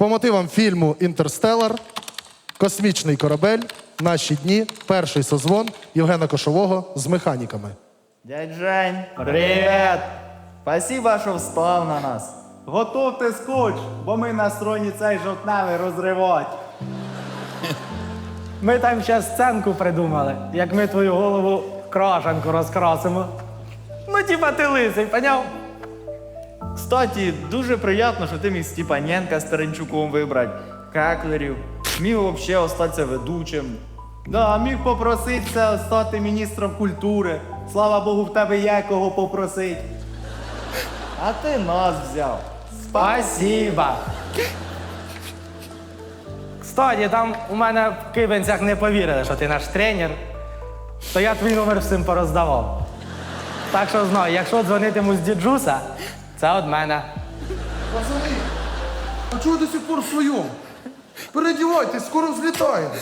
По мотивам фільму «Інтерстеллар», «Космічний корабель», «Наші дні», перший созвон Євгена Кошового з механіками. Дядь Жень, привіт! Спасибо, що встав на нас. Готовте скотч, бо ми настроєні цей жовтневий розривати. Ми там ще сценку придумали, як ми твою голову в крашанку розкрасимо. Ну, типа ти лисий, поняв? Кстати, дуже приємно, що ти міг Степаненка з Теренчуком вибрати, Кеклерів, міг взагалі остатися ведучим. Да, міг попроситися стати міністром культури. Слава Богу, в тебе є кого попросить. А ти нас взяв. Спасибо. Кстати, там у мене в Кибенцях не повірили, що ти наш тренер, то я твій номер всім пороздавав. Так що знай, якщо дзвонитиму з діджуса, це від мене. Пацани, а чого до сих пор в своєму? Переодівайтесь, скоро взлітаємо.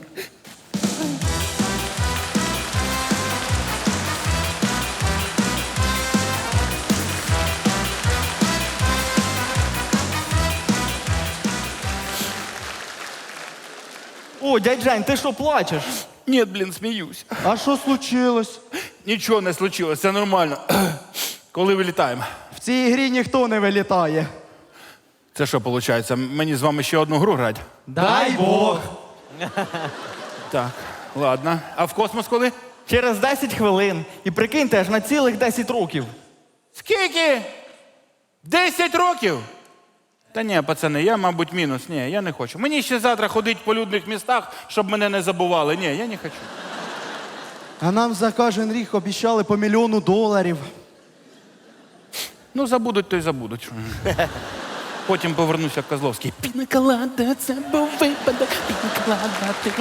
О, дядь Жень, ти що плачеш? Ні, блін, сміюсь. А що случилось? Нічого не случилось, це нормально. Коли вилітаємо? В цій грі ніхто не вилітає. Це що виходить? Мені з вами ще одну гру грати? Дай Бог! Так, ладно. А в космос коли? Через 10 хвилин. І прикиньте, аж на цілих 10 років. Скільки? 10 років? Та ні, пацани, я, мабуть, мінус. Ні, я не хочу. Мені ще завтра ходити по людних містах, щоб мене не забували. Ні, я не хочу. А нам за кожен рік обіцяли по $1 мільйон. Ну, забудуть, то й забудуть. Потім повернуся в Козловський. Пінаколада, це був випадок. Пінаколада, ти...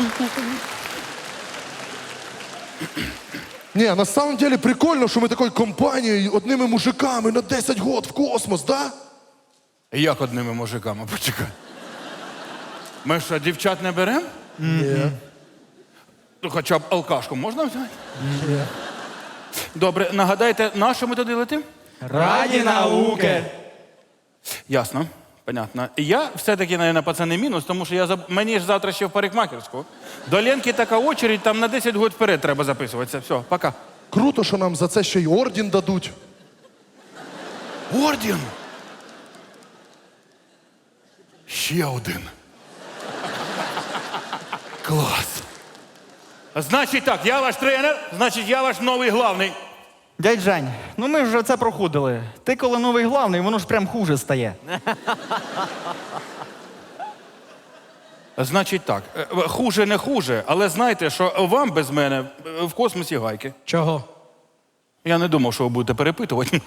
Не, на самом деле прикольно, що ми такою компанією, одними мужиками на 10 год в космос, да? Як одними мужиками, почекай. Ми що, дівчат не беремо? Ні. Ну, хоча б алкашку можна взяти? Добре, нагадайте, на що ми туди летимо? Раді науки! Ясно, понятно. Я все-таки, наверное, пацани, мінус, тому що мені ж завтра ще в парикмахерську. До Ленки така очередь, там на 10 років вперед треба записуватися. Все, пока. Круто, що нам за це ще й орден дадуть. Орден! Ще один. Клас. Значить так, я ваш тренер, значить я ваш новий главний. Дядь Жень, ну ми ж вже це проходили. Ти коли новий главний, воно ж прям хуже стає. Значить так, хуже не хуже, але знайте, що вам без мене в космосі гайки. Чого? Я не думав, що ви будете перепитувати.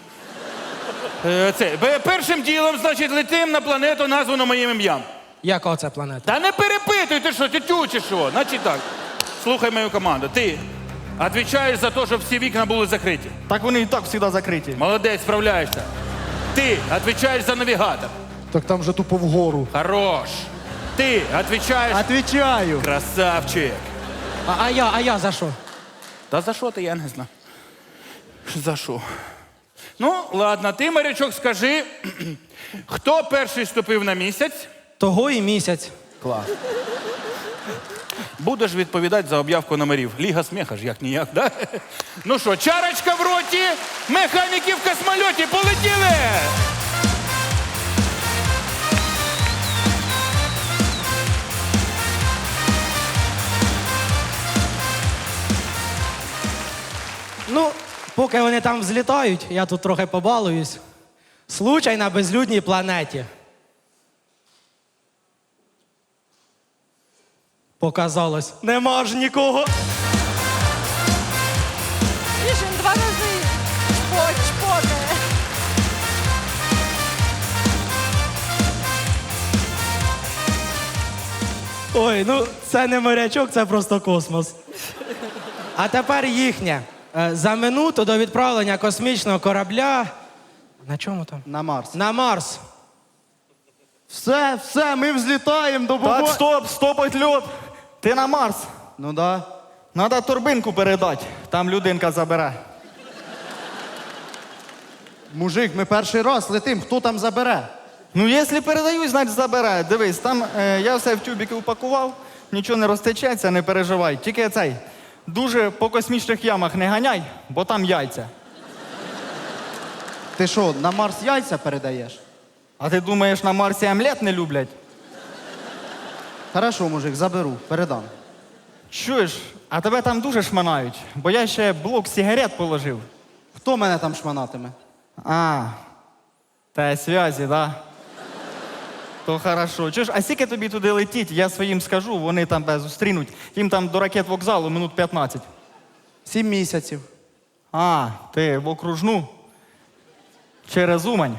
Першим ділом, значить, летим на планету, названу моїм ім'ям. Яка це планета? Та не перепитуй, ти що, тютю чи що? Значить так, слухай мою команду. Ти відповідаєш за те, щоб всі вікна були закриті. Так вони і так завжди закриті. Молодець, справляєшся. Ти відповідаєш за навігатор. Так там же тупо вгору. Хорош. Ти відповідаєш... Отвічаю. Красавчик. А я за що? Та за що ти, я не знаю. За що? Ну, ладно, ти, морячок, скажи, хто перший ступив на місяць? Того і місяць. Клас. Будеш відповідати за об'явку номерів. Ліга сміха ж як-ніяк, да? Ну що, чарочка в роті, механіки в космольоті, полетіли! Ну, поки вони там взлітають, я тут трохи побалуюсь. Случай на безлюдній планеті. Показалось, нема ж нікого. Рішень 2 рази. Чпоте. Ой, ну це не морячок, це просто космос. А тепер їхнє. За минуту до відправлення космічного корабля. На чому там? На Марс. На Марс. Все, ми взлітаємо до Так, Богу. стопить льот. Ти на Марс. Ну да. Надо торбинку передати, там людинка забере. Мужик, ми перший раз летим, хто там забере? Ну, якщо передають, значить забирай. Дивись, там я все в тюбики упакував, нічого не розтечеться, не переживай. Тільки цей, дуже по космічних ямах не ганяй, бо там яйця. Ти що, на Марс яйця передаєш? А ти думаєш, на Марсі омлет не люблять? Хорошо, мужик, заберу, передам. Чуєш, а тебе там дуже шманають, бо я ще блок сигарет положив. Хто мене там шманатиме? А, та зв'язі, да? То хорошо. Чуєш, а скільки тобі туди летіть, я своїм скажу, вони там тебе зустрінуть. Їм там до ракет вокзалу минут 15. 7 місяців. А, ти в окружну? Через Умань?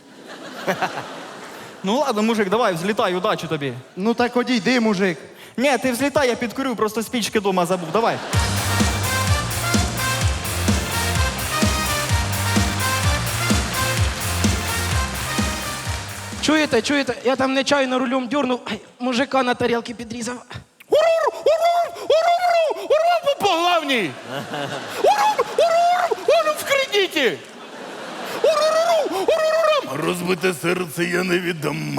Ну ладно, мужик, давай, взлітай, удачі тобі. Ну так одійди, мужик. Ні, ти взлітай, я підкурю, просто спічки дома забув. Давай. Чуєте, чуєте? Я там нечайно рулем дюрнув, ай, мужика на тарілки підрізав. По главній! Уру в кредиті! Розбите серце я не віддам.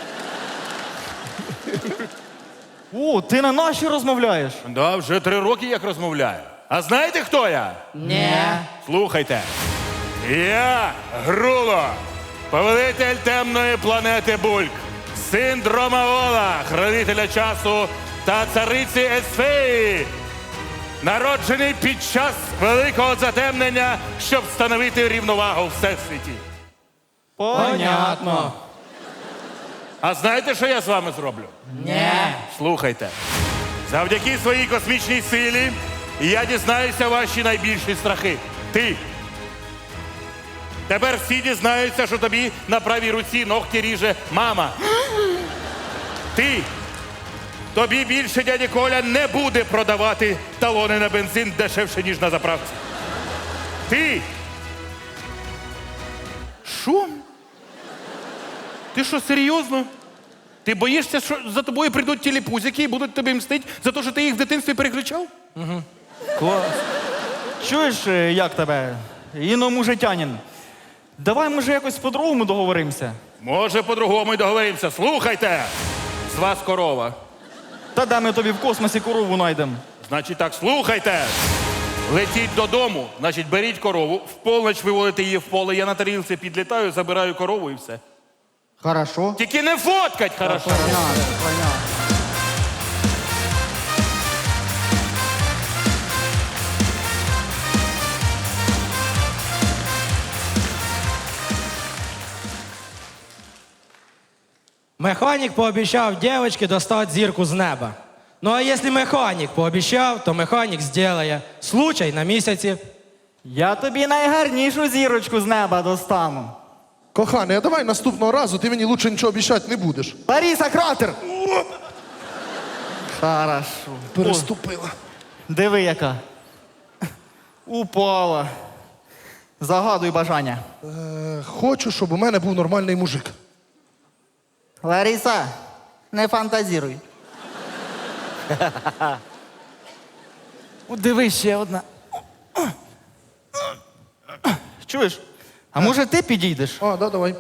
О, ти на наші розмовляєш? Да, вже 3 роки як розмовляю. А знаєте, хто я? Ні. Слухайте. Я Груло, повелитель темної планети Бульк, син Дромаола, хранителя часу та цариці Есфеї, народжений під час великого затемнення, щоб встановити рівновагу в всесвіті. Понятно. А знаєте, що я з вами зроблю? Ні. Слухайте. Завдяки своїй космічній силі я дізнаюся ваші найбільші страхи. Ти. Тепер всі дізнаються, що тобі на правій руці ногті ріже мама. Ти. Тобі більше дядя Коля не буде продавати талони на бензин дешевше, ніж на заправці. Ти. Що? Ти що, серйозно? Ти боїшся, що за тобою прийдуть тіліпузики і будуть тобі мстити за те, що ти їх в дитинстві перекричав? Клас. Чуєш, як тебе? Іномужитянин. Давай, може, якось по-другому договоримося. Може, по-другому й договоримося. Слухайте! З вас корова. Та де ми тобі в космосі корову знайдемо? Значить так, слухайте! Летіть додому, значить, беріть корову, в полночь виводите її в поле, я на тарілці підлітаю, забираю корову і все. Хорошо. Тільки не фоткать, хорошо? Понятно, понятно. Механік пообіцяв дівчинці достати зірку з неба. Ну а якщо механік пообіцяв, то механік зробить. Случай на місяці. Я тобі найгарнішу зірочку з неба достану. Коханий, а давай наступного разу ти мені лучше нічого обіцяти не будеш. Лариса, кратер! Хорошо. Переступила. Диви, яка. Упала. Загадуй бажання. Хочу, щоб у мене був нормальний мужик. Лариса, не фантазіруй. Диви, ще одна. Чуєш? А може ти підійдеш? А, да, давай.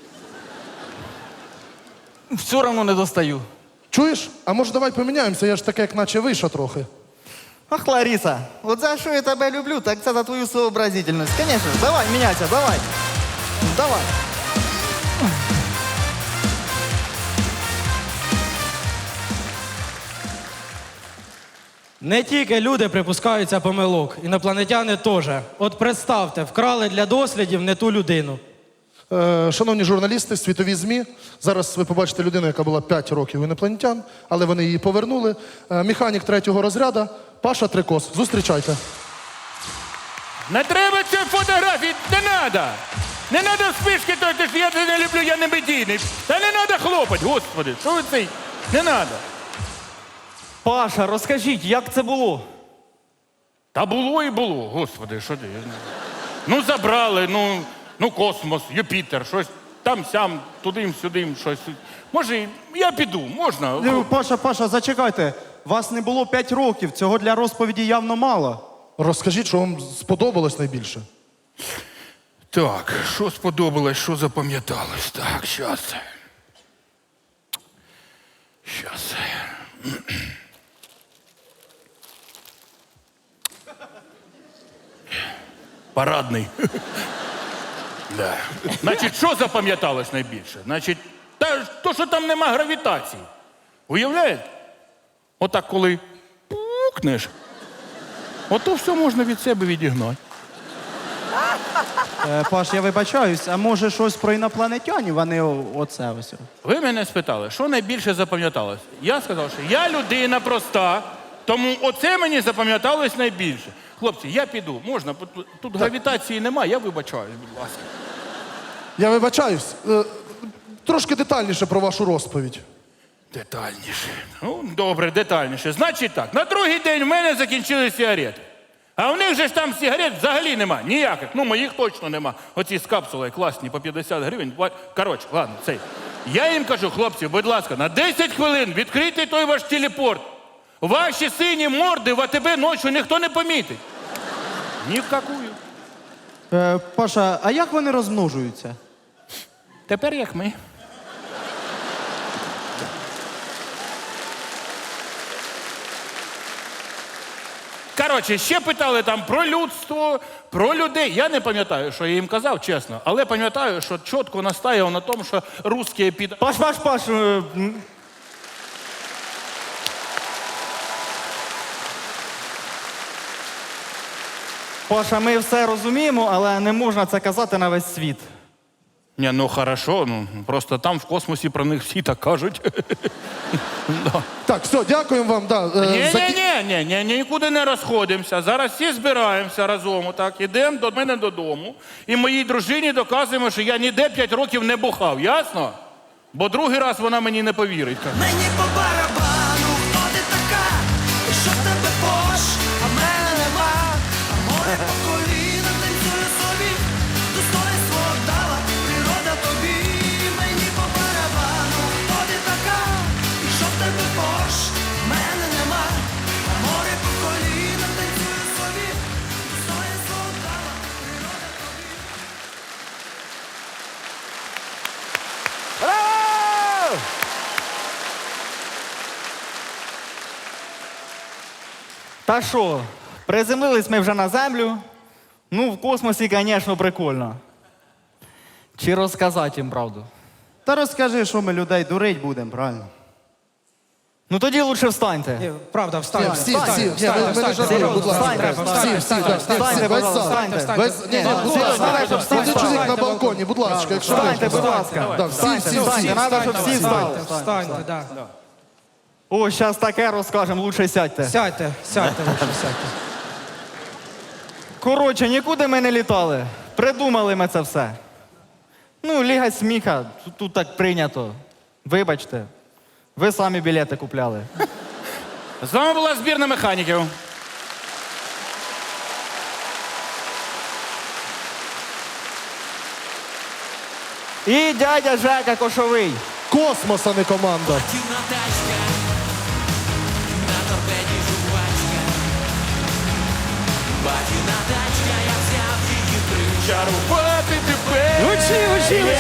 Все одно не достаю. Чуєш? А може давай поміняємося, я ж таке, як наче виша трохи. Ах, Лариса, от за що я тебе люблю, так це за твою сообразительність. Звісно, давай, міняйся, давай. Давай. Не тільки люди припускаються помилок, інопланетяни теж. От представте, вкрали для дослідів не ту людину. Шановні журналісти, світові ЗМІ, зараз ви побачите людину, яка була 5 років інопланетян, але вони її повернули. Механік 3-го розряду Паша Трикос. Зустрічайте. Не треба цієї фотографії, не треба. Не треба спишки, то що я це не люблю, я не медійний. Та не треба хлопать, господи, що ви цей? Не треба. Паша, розкажіть, як це було? Та було і було, господи, що ти? Я знаю. Ну, забрали, ну космос, Юпітер, щось там-сям, туди-сюди, щось. Може, я піду, можна? Паша, зачекайте. Вас не було 5 років, цього для розповіді явно мало. Розкажіть, що вам сподобалось найбільше. Так, що сподобалось, що запам'яталось? Так, щас. Щас. Парадний. Да. Значить, що запам'яталось найбільше? Значить, то, що там нема гравітації. Уявляєте? Отак, коли пукнеш, ото все можна від себе відігнати. Паш, я вибачаюсь, а може щось про інопланетянів, а не оце ось? Ви мене спитали, що найбільше запам'яталось? Я сказав, що я людина проста, тому оце мені запам'яталось найбільше. Хлопці, я піду, можна? Тут гравітації немає, я вибачаюсь, будь ласка. Я вибачаюсь. Трошки детальніше про вашу розповідь. Детальніше. Ну, добре, детальніше. Значить так, на другий день в мене закінчились сигарети. А в них же ж там сигарет взагалі нема, ніяких. Ну, моїх точно нема. Оці з капсулою класні, по 50 гривень. Коротше, ладно, цей. Я їм кажу, хлопці, будь ласка, на 10 хвилин відкрийте той ваш телепорт. Ваші сині морди в АТБ ночі ніхто не помітить. Ні в какую. Паша, а як вони розмножуються? Тепер як ми. Коротше, ще питали там про людство, про людей. Я не пам'ятаю, що я їм казав, чесно. Але пам'ятаю, що чітко настаєв на тому, що русські під... Паш, Паша, ми все розуміємо, але не можна це казати на весь світ. Ні, ну хорошо, ну просто там в космосі про них всі так кажуть. Да. Так, все, дякуємо вам. Да, Ні, нікуди не розходимося. Зараз всі збираємося разом, так, ідемо до мене додому. І моїй дружині доказуємо, що я ніде 5 років не бухав, ясно? Бо другий раз вона мені не повірить. Мені по барабану, хто ти така, і що в тебе пош, а в мене нема, а море по коліна танцює собі, достоинство дала природа тобі. Мені по барабану, хто ти така, і що в тебе пош, а в мене нема, а море по коліна танцює собі, достоинство дала природа тобі. Та що, приземлились ми вже на землю. Ну, в космосі, звісно, прикольно. Чи розказати їм правду? Та розкажи, що ми людей дурить будемо, правильно? Ну тоді лучше встаньте. Ні, правда, встань. Всі, ми не жартуємо, будь ласка. Встаньте, будь ласка. Будь ласка, один чоловік на балконі, будь ласка, якщо Встаньте, можна. будь ласка. Да, всі. Треба, щоб всі встали. Встаньте, да. О, зараз таке розкажемо, лучше сядьте. Сядьте, лучше сядьте. Коротше, нікуди ми не літали. Придумали ми це все. Ну, Ліга сміха, тут так прийнято. Вибачте, ви самі білети купляли. З вами була збірна механіків. І дядя Жека Кошовий. Космос, а не команда. Дивна тачка, на торпеді жувачка. Батіна тачка, я взяв її причару. Чарувати тебе. Учи,